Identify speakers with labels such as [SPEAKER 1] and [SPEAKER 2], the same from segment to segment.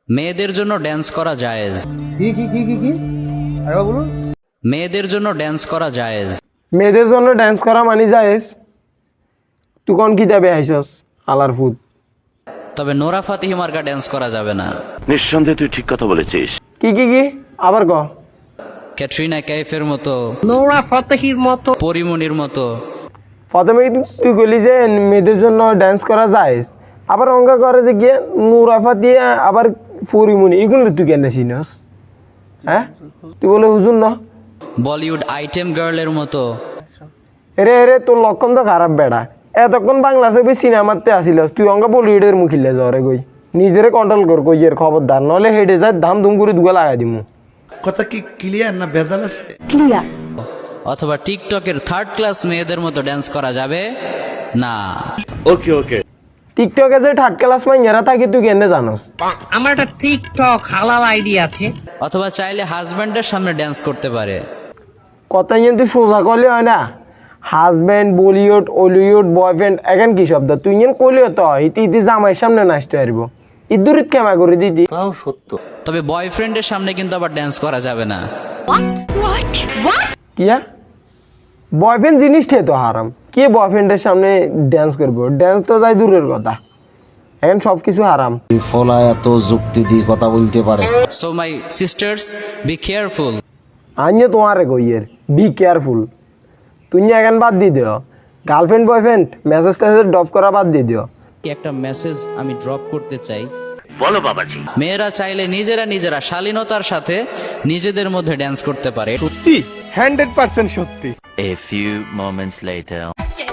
[SPEAKER 1] মেয়েদের জন্য ড্যান্স করা জায়েজ।
[SPEAKER 2] কি আরে বলুন।
[SPEAKER 1] মেয়েদের জন্য ড্যান্স করা জায়েজ।
[SPEAKER 3] মেয়েদের জন্য ড্যান্স করা মানে জায়েজ? তুই কোন কিতাবে আইছস আলার ফুট?
[SPEAKER 1] তবে নোরা ফাতিহি মার্কা ড্যান্স করা যাবে না।
[SPEAKER 4] নিঃসন্দেহে তুই ঠিক কথা বলেছিস।
[SPEAKER 3] কি আবার ক।
[SPEAKER 1] ক্যাটরিনা কাইফের মতো,
[SPEAKER 5] নোরা ফাতেহির মতো,
[SPEAKER 1] পরিমণির মতো।
[SPEAKER 3] প্রথমে তুই বলি যে মেয়েদের জন্য ড্যান্স করা জায়েজ, আবার অঙ্কা করে যে গিয়ে নুরাফা দিয়ে আবার পরিমণি, এগুলো তুই কেন চিনস? হ্যাঁ, তুই বলে হুজুর না
[SPEAKER 1] বলিউড আইটেম গার্লের মতো।
[SPEAKER 3] এরে তোর লক্ষণ তো খারাপ বেড়া। এতক্ষণ বাংলা ছবি সিনেমাতে আসিলস, তুই অঙ্কা বলিউডের মুখিলে যাওয়ারে কই। নিজেরে কন্ট্রোল কর কই এর খবরদার, নহলে হেডে যায় ধাম ধুম করে দুগা লাগাই দিমু।
[SPEAKER 2] কথা কি ক্লিয়ার না ভেজাল আছে?
[SPEAKER 1] অথবা টিকটকের থার্ড ক্লাস মেয়েদের মতো ড্যান্স করা যাবে না।
[SPEAKER 4] ওকে
[SPEAKER 3] টিকটকে যে থার্ড ক্লাস মাইয়ারা থাকে তুই কেন জানস?
[SPEAKER 5] আমার একটা টিকটক হালাল আইডি আছে।
[SPEAKER 1] অথবা চাইলে হাজব্যান্ডের সামনে ড্যান্স করতে পারে।
[SPEAKER 3] কথা কিন্তু সোজা করলে হয় না। হাজব্যান্ড, বলিউড, হলিউড, বয়ফ্রেন্ড এখন কি শব্দ? তুই ইন কলিও তো ইতি জামাইয়ের সামনে নাচতে পারব, ইদুরিত কেমা করে দিদি।
[SPEAKER 2] তাও সত্য।
[SPEAKER 1] তবে বয়ফ্রেন্ডের সামনে কিন্তু আবার ড্যান্স করা যাবে না।
[SPEAKER 3] কিয়া বয়ফ্রেন্ড জিনিসটাই তো হারাম। কে বয়ফ্রেন্ডের সামনে ড্যান্স করবো? ড্যান্স তো যাই দূরের কথা, এখন সব কিছু হারাম।
[SPEAKER 6] ফলা এত যুক্তি দিয়ে কথা বলতে পারে।
[SPEAKER 1] So my sisters, be careful.
[SPEAKER 3] আনিয়ে তোমারে কইয়ের বি কেয়ারফুল। তুই এখন বাদ দিয়ে দিও গার্লফ্রেন্ড বয়ফ্রেন্ড মেসেজ টেসেজ ড্রপ করা বাদ দিয়ে দিও।
[SPEAKER 1] একটা মেসেজ আমি ড্রপ করতে চাই।
[SPEAKER 4] বলো বাবাজি।
[SPEAKER 1] মেয়েরা চাইলে নিজেরা শালীনতার সাথে নিজেদের মধ্যে ড্যান্স করতে পারে।
[SPEAKER 3] সত্যি 100% সত্যি।
[SPEAKER 4] A few moments later.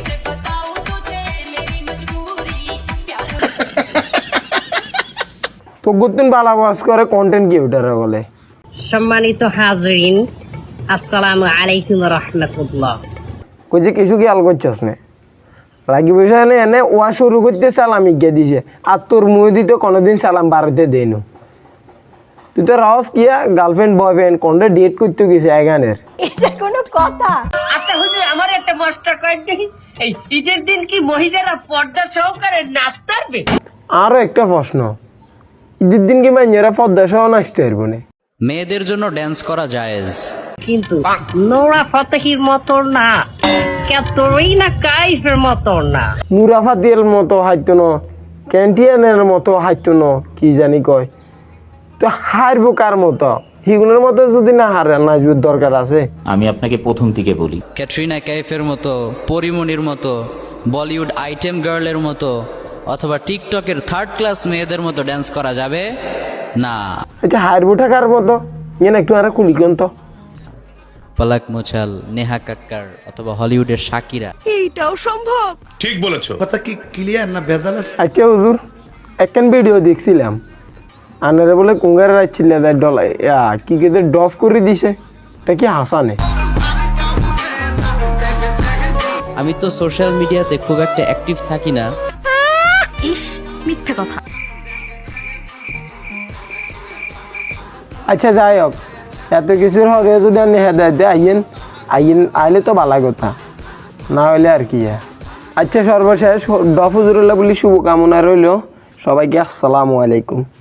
[SPEAKER 3] তো গুতুন বালা বাস করে কন্টেন্ট ক্রিয়েটর বলে।
[SPEAKER 5] সম্মানিত হাজরিন, আসসালামু আলাইকুম রহমতুল্লাহ।
[SPEAKER 3] কই যে কিছু খেয়াল করছস না? রাগি বসে এনে ওয়া শুরু করতে সালাম ইজ্ঞা দিছে, আর তোর মুখ দিতে কোনোদিন সালাম বাড়িতে দেয়নি। তুই তো রস কিয়া গার্লফ্রেন্ড বয়ফ্রেন্ড কোনটা ডেট করতে গেছে এগানের?
[SPEAKER 7] এটা কোনো কথা?
[SPEAKER 5] আচ্ছা হুজুর, আমার একটা মশটা কয়েক দেখি, এই ঈদের দিন কি মহিলারা পর্দা সহকারে নাচতে পারবে?
[SPEAKER 3] আরো একটা প্রশ্ন, ঈদের দিন কি মাইয়েরা পদ্মা সহ নাচতে পারবো না?
[SPEAKER 1] মেয়েদের জন্য ড্যান্স করা জায়েজ,
[SPEAKER 5] কিন্তু নোরা ফাতেহির মতো না, ক্যাটরিনা কাইফের মতো না,
[SPEAKER 3] নুরাফা দিয়ের মতো হাইতো ন, ক্যান্টিয়ানের মতো হাইতো ন, কি জানি কয়। তো হারবো কার মতো? হিগুনের মতো যদি না হারে, নাচবার দরকার আছে।
[SPEAKER 8] আমি আপনাকে প্রথম থেকে বলি,
[SPEAKER 1] ক্যাটরিনা কাইফের মতো, পরিমণির মতো, বলিউড আইটেম গার্লের মতো, অথবা টিকটকের থার্ড ক্লাস মেয়েদের মতো ড্যান্স করা যাবে না।
[SPEAKER 3] আচ্ছা হারবোটা কার মতো? ইয়ে একটু আর কুলিকন তো।
[SPEAKER 1] পলক মুছাল, নেহা কাক্কার অথবা হলিউডের শাকিরা।
[SPEAKER 7] এইটাও সম্ভব?
[SPEAKER 2] কথা কি ক্লিয়ার না ভেজাল আছে?
[SPEAKER 3] আচ্ছা হুজুর, একখান ভিডিও দেখছিলাম, আনারে বলে কুঙ্গারে রাখছিল ডলাই কি কেদের ডফ করে দিছে, এটা কি হাসানে?
[SPEAKER 1] আমি তো সোশ্যাল মিডিয়াতে খুব একটা অ্যাক্টিভ থাকি না।
[SPEAKER 7] ইস, মিথ্যে কথা।
[SPEAKER 3] আচ্ছা যাই হোক, এত কিছুর হরে যদি আপনি হেদায়ত আইলে তো ভালো কথা, না হইলে আর কি। আচ্ছা সর্বশেষ ডফ হুজুরুল্লাহ বলি শুভকামনা রইল সবাইকে। আসসালামু আলাইকুম।